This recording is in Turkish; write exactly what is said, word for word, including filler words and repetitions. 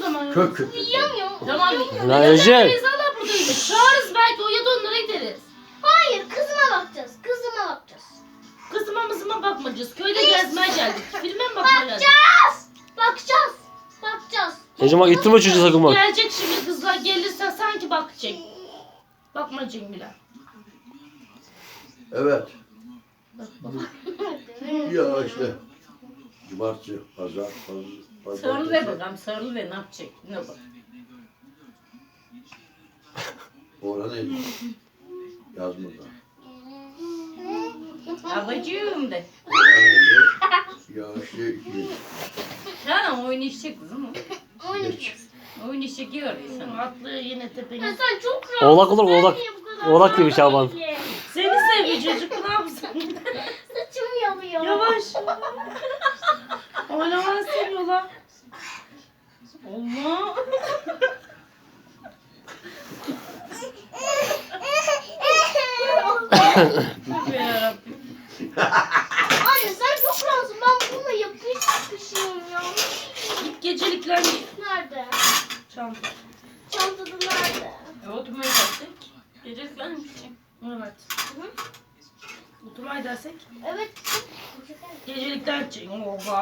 zaman. Kök kök. Yiyemiyorum. Tamam. Lan Ece. Teyzeler buradaymış. Çağırırız belki o ya da onlara gideriz. Hayır, kızıma bakacağız. Kızıma bakacağız. Kızıma mızıma bakmayacağız. Köyde gezmeye geldik. Filme mi bakmaya geldik? Bakacağız. Bakacağız. Bakacağız. Ece bak ittirme çocuğu sakın bak. Gelecek şimdi kızlar gelirse sanki bakacak. Bakmayacak bile. Evet. Bak bak. Ya işte. Cumartesi, pazar, pazar. Sarılı ver bakalım, sarılı ver, ne yapacak? Ne bak. Orhan neydi? Yazmadı. Babacığım de. Orhan neydi? Ya işte iki. Tamam oynayacak kızım o. Geç. Oynayacak yiyor sana. Atlı yine Ya tepene. sen çok rahatsın. Oğlak olur Ben oğlak. niye bu kadar Oğlak gibi rahatsın Şaban. ki? Seni seviyor çocuk ne yapsın? Saçım yanıyor. Yavaş. Oynamanı seviyorlar. Allah. Tövbe yarabbim. Anne sen çok rahatsın. Ben bununla yapış yapışıyorum ya. Git gecelikler git. Nerede? Çanta. Çantada nerede? E, oturmaya kalktık. Gecelikler mi gidecek? Evet. Oturmaya dersek Evet. gecelikler gidecek. Oha.